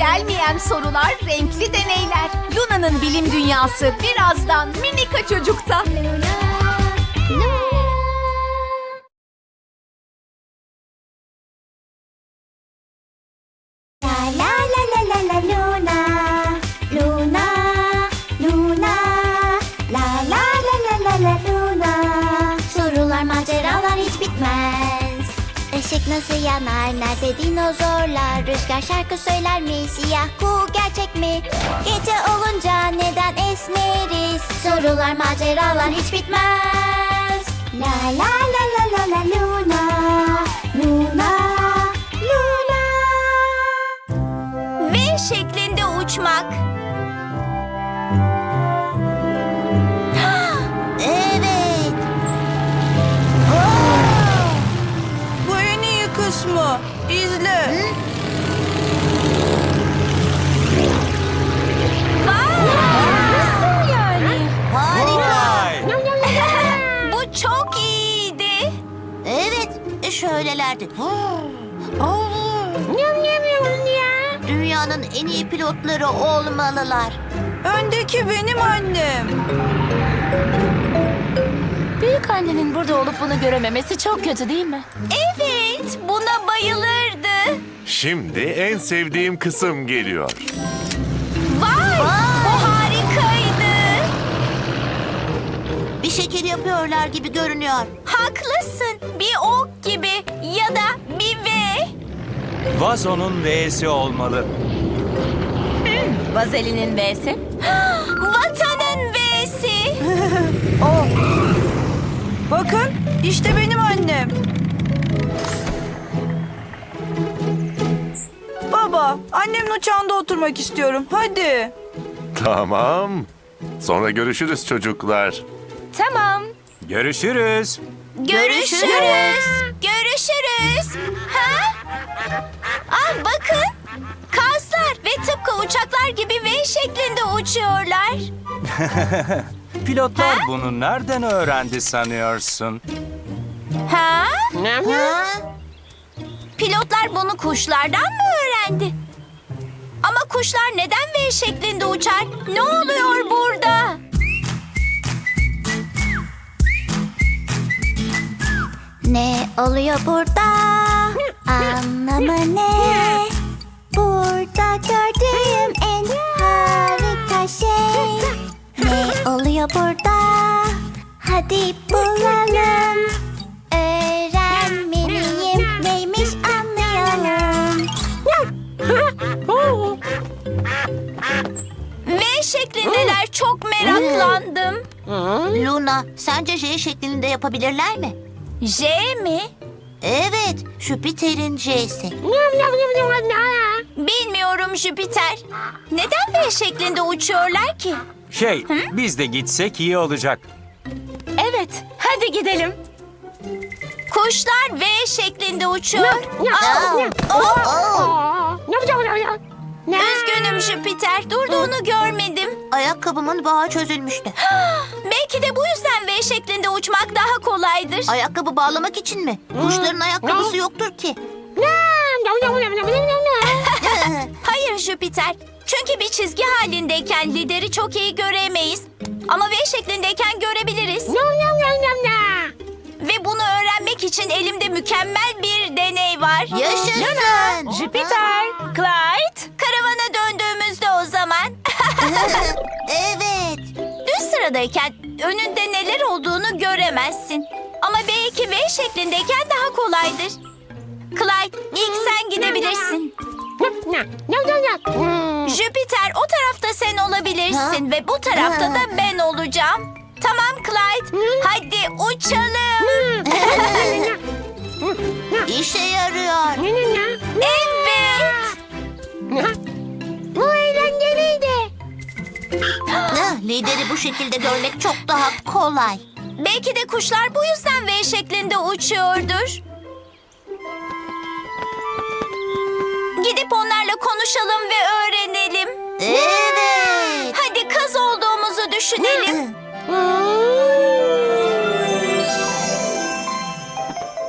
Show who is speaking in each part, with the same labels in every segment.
Speaker 1: gelmeyen sorular, renkli deneyler. Luna'nın bilim dünyası birazdan Minika Çocuk'ta.
Speaker 2: Luna, Luna, Luna, la la la la la la Luna. Sorular, maceralar hiç bitmez. Işık nasıl yanar, nerede dinozorlar? Rüzgar şarkı söyler mi, siyah kuğu gerçek mi? Gece olunca neden esneriz? Sorular, maceralar hiç bitmez. La la la la la la Luna, Luna, Luna.
Speaker 1: V şeklinde uçmak.
Speaker 2: Evet.
Speaker 3: Bu en iyi kısmı. İzle.
Speaker 1: Nasıl yani?
Speaker 2: Harika.
Speaker 1: Bu çok iyiydi.
Speaker 2: Evet, şöylelerdi. Dünyanın en iyi pilotları olmalılar.
Speaker 3: Öndeki benim annem.
Speaker 4: Büyük annenin burada olup bunu görememesi çok kötü değil mi?
Speaker 1: Evet, buna bayılırdı.
Speaker 5: Şimdi en sevdiğim kısım geliyor.
Speaker 1: Vay, bu harikaydı.
Speaker 2: Bir şekil yapıyorlar gibi görünüyor.
Speaker 1: Haklısın. Bir ok gibi ya da bir V.
Speaker 6: Vazo'nun V'si olmalı.
Speaker 4: Vazelinin V'si.
Speaker 1: Vatanın V'si.
Speaker 3: Bakın, işte benim annem. Baba, annemin uçağında oturmak istiyorum. Hadi.
Speaker 5: Tamam. Sonra görüşürüz çocuklar.
Speaker 4: Tamam.
Speaker 6: Görüşürüz.
Speaker 1: Görüşürüz. Görüşürüz. Ha? Ah bakın. Kazlar ve tıpkı uçaklar gibi V şeklinde uçuyorlar.
Speaker 6: Pilotlar bunu nereden öğrendi sanıyorsun?
Speaker 1: Ha?
Speaker 2: Ha?
Speaker 1: Pilotlar bunu kuşlardan mı öğrendi? Ama kuşlar neden V şeklinde uçar? Ne oluyor burada?
Speaker 2: Ne oluyor burada? Anlamı ne? Burada gördüğüm en harika şey. Ne oluyor burada? Hadi bulalım. Öğrenmeliyim. Neymiş anlayalım.
Speaker 1: V şeklindeler, çok meraklandım.
Speaker 2: Luna, sence J şeklinde yapabilirler mi?
Speaker 1: J mi?
Speaker 2: Evet, Jüpiter'in J'si.
Speaker 1: Bilmiyorum Jüpiter. Neden V şeklinde uçuyorlar ki?
Speaker 6: Biz de gitsek iyi olacak.
Speaker 4: Evet, hadi gidelim.
Speaker 1: Kuşlar V şeklinde uçuyor. Üzgünüm Jüpiter, durduğunu görmedim.
Speaker 2: Ayakkabımın bağı çözülmüştü.
Speaker 1: Belki de bu yüzden V şeklinde uçmak daha kolaydır.
Speaker 2: Ayakkabı bağlamak için mi? Kuşların ayakkabısı yoktur ki.
Speaker 1: Hayır Jüpiter. Çünkü bir çizgi halindeyken lideri çok iyi göremeyiz. Ama V şeklindeyken görebiliriz. Ve bunu öğrenmek için elimde mükemmel bir deney var.
Speaker 2: Yaşasın.
Speaker 4: Jüpiter, Clyde.
Speaker 1: Karavana döndüğümüzde o zaman.
Speaker 2: Evet.
Speaker 1: Düz sıradayken önünde neler olduğunu göremezsin. Ama belki V şeklindeyken daha kolaydır. Clyde, ilk sen gidebilirsin. Jüpiter, o tarafta sen olabilirsin ve bu tarafta da ben olacağım. Tamam Clyde, hadi uçalım.
Speaker 2: İşe yarıyor.
Speaker 1: Evet.
Speaker 2: Bu eğlenceliydi. Lideri bu şekilde görmek çok daha kolay.
Speaker 1: Belki de kuşlar bu yüzden V şeklinde uçuyordur. Gidip onlarla konuşalım ve öğrenelim.
Speaker 2: Evet.
Speaker 1: Hadi kaz olduğumuzu düşünelim.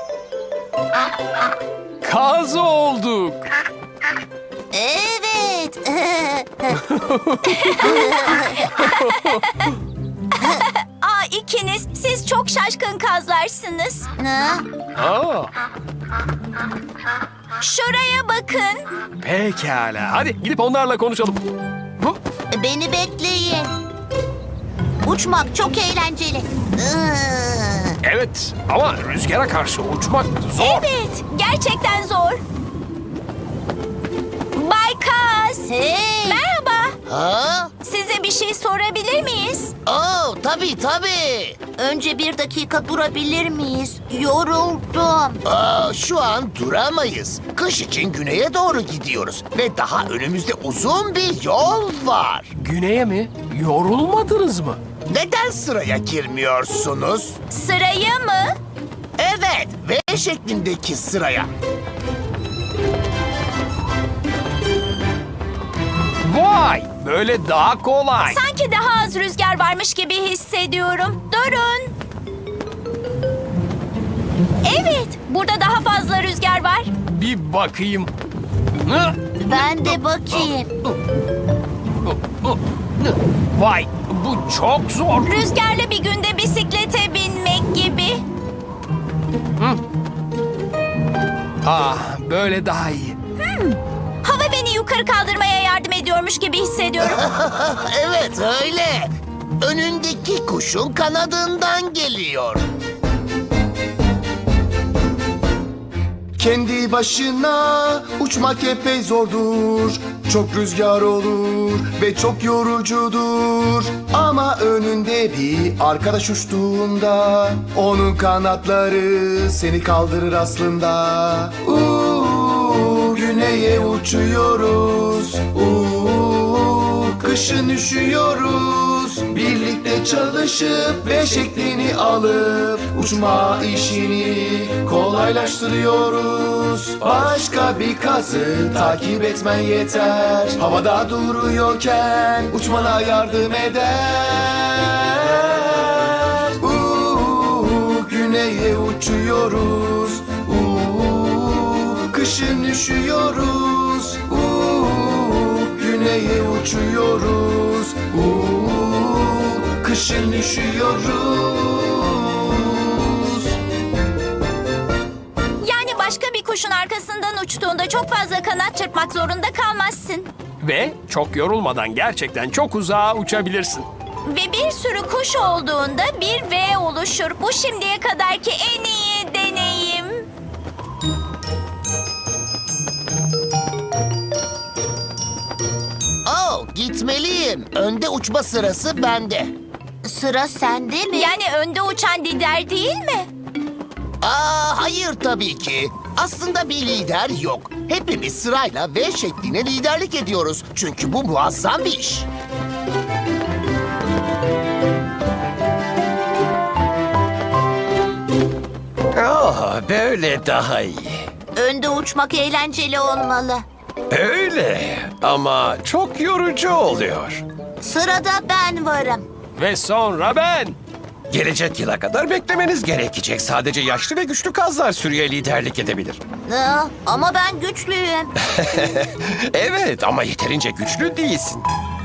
Speaker 7: Kaz olduk.
Speaker 2: Evet.
Speaker 1: Aa, ikiniz, siz çok şaşkın kazlarsınız.
Speaker 7: Aa,
Speaker 1: Şuraya bakın.
Speaker 7: pekala. Hadi gidip onlarla konuşalım. Hı?
Speaker 2: Beni bekleyin. Uçmak çok eğlenceli.
Speaker 7: Evet ama rüzgara karşı uçmak zor.
Speaker 1: Evet, gerçekten zor. Bay Kaz.
Speaker 2: Hey!
Speaker 1: Merhaba.
Speaker 8: Ha?
Speaker 1: Size bir şey sorabilir miyiz?
Speaker 8: Oo, tabii.
Speaker 2: Önce bir dakika durabilir miyiz? Yoruldum.
Speaker 8: Şu an duramayız. Kış için güneye doğru gidiyoruz. Ve daha önümüzde uzun bir yol var.
Speaker 7: Güney'e mi? Yorulmadınız mı?
Speaker 8: Neden sıraya girmiyorsunuz?
Speaker 1: Sırayı mı?
Speaker 8: Evet, V şeklindeki sıraya.
Speaker 7: Vay! Böyle daha kolay.
Speaker 1: Sanki daha az rüzgar varmış gibi hissediyorum. Durun. Evet, burada daha fazla rüzgar var.
Speaker 7: Bir bakayım. Hı?
Speaker 2: Ben de bakayım.
Speaker 7: Vay! Bu çok zor.
Speaker 1: Rüzgarlı bir günde bisiklete binmek gibi.
Speaker 7: Ah, böyle daha iyi.
Speaker 1: Hava beni yukarı kaldırmaya yardım ediyormuş gibi hissediyorum.
Speaker 8: Evet, öyle. Önündeki kuşun kanadından geliyor.
Speaker 9: Kendi başına uçmak epey zordur. Çok rüzgar olur ve çok yorucudur. Ama önünde bir arkadaş uçtuğunda onun kanatları seni kaldırır aslında. Güneye uçuyoruz. Kışın üşüyoruz. Birlikte çalışıp V şeklini alıp uçma işini kolaylaştırıyoruz. Başka bir kazı takip etmen yeter. Havada duruyorken uçmana yardım eder. Güneye uçuyoruz. Kışın üşüyoruz. Güneye uçuyoruz. Kışın üşüyoruz.
Speaker 1: Yani başka bir kuşun arkasından uçtuğunda çok fazla kanat çırpmak zorunda kalmazsın.
Speaker 7: Ve çok yorulmadan gerçekten çok uzağa uçabilirsin.
Speaker 1: Ve bir sürü kuş olduğunda bir V oluşur. Bu şimdiye kadarki en iyi deneyim.
Speaker 8: Gitmeliyim. Önde uçma sırası bende.
Speaker 2: Sıra sende mi?
Speaker 1: Yani önde uçan lider değil mi?
Speaker 8: Hayır tabii ki. Aslında bir lider yok. Hepimiz sırayla V şekline liderlik ediyoruz. Çünkü bu muazzam bir iş.
Speaker 10: Böyle daha iyi.
Speaker 2: Önde uçmak eğlenceli olmalı.
Speaker 10: Öyle ama çok yorucu oluyor.
Speaker 2: Sırada ben varım.
Speaker 7: Ve sonra ben.
Speaker 10: Gelecek yıla kadar beklemeniz gerekecek. Sadece yaşlı ve güçlü kazlar sürüye liderlik edebilir.
Speaker 2: Ama ben güçlüyüm.
Speaker 10: Evet ama yeterince güçlü değilsin.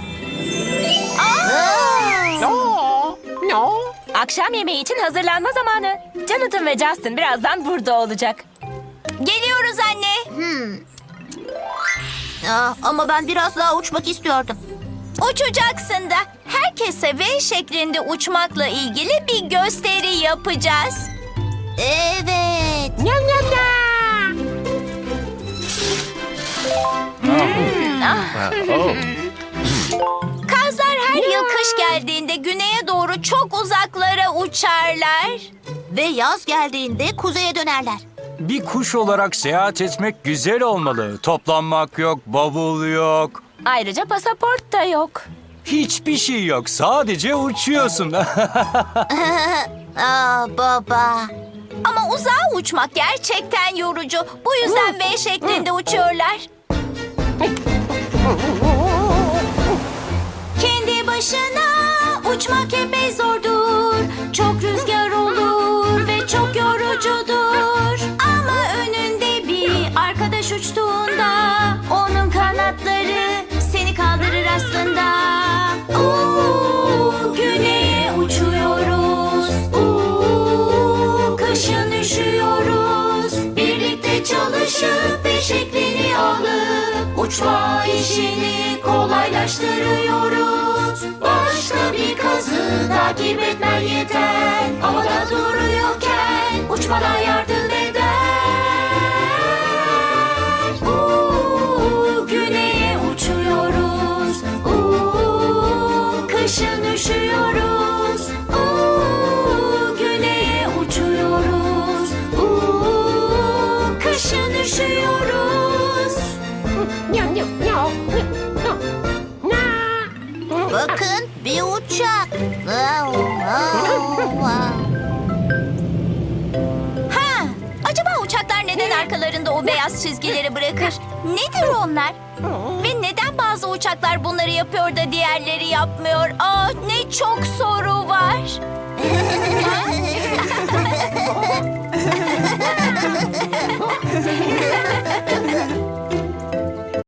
Speaker 4: Akşam yemeği için hazırlanma zamanı. Jonathan ve Justin birazdan burada olacak.
Speaker 1: Geliyoruz anne.
Speaker 2: Ama ben biraz daha uçmak istiyordum.
Speaker 1: Uçacaksın da. Herkese V şeklinde uçmakla ilgili bir gösteri yapacağız.
Speaker 2: Evet.
Speaker 1: Kazlar her yıl kış geldiğinde güneye doğru çok uzaklara uçarlar.
Speaker 2: Ve yaz geldiğinde kuzeye dönerler.
Speaker 6: Bir kuş olarak seyahat etmek güzel olmalı. Toplanmak yok, bavul yok.
Speaker 4: Ayrıca pasaport da yok.
Speaker 6: Hiçbir şey yok. Sadece uçuyorsun.
Speaker 2: Baba.
Speaker 1: Ama uzağa uçmak gerçekten yorucu. Bu yüzden V şeklinde uçuyorlar. Kendi başına uçmak epey zordur. Çok rüzgar olur ve çok yorucudur. Ama önünde bir arkadaş uçtuğunda onun kanatları
Speaker 2: ışık ve şeklini alıp uçma işini kolaylaştırıyoruz. Başka bir kazı takip etmen yeter. Havada duruyorken uçmana yardım eder. Güneye uçuyoruz. Kışın üşüyoruz. Güneye uçuyoruz. Kışın üşüyoruz.
Speaker 1: Bakın bir uçak. Ha, acaba uçaklar neden arkalarında o beyaz çizgileri bırakır? Nedir onlar? Ve neden bazı uçaklar bunları yapıyor da diğerleri yapmıyor? Ne çok soru var.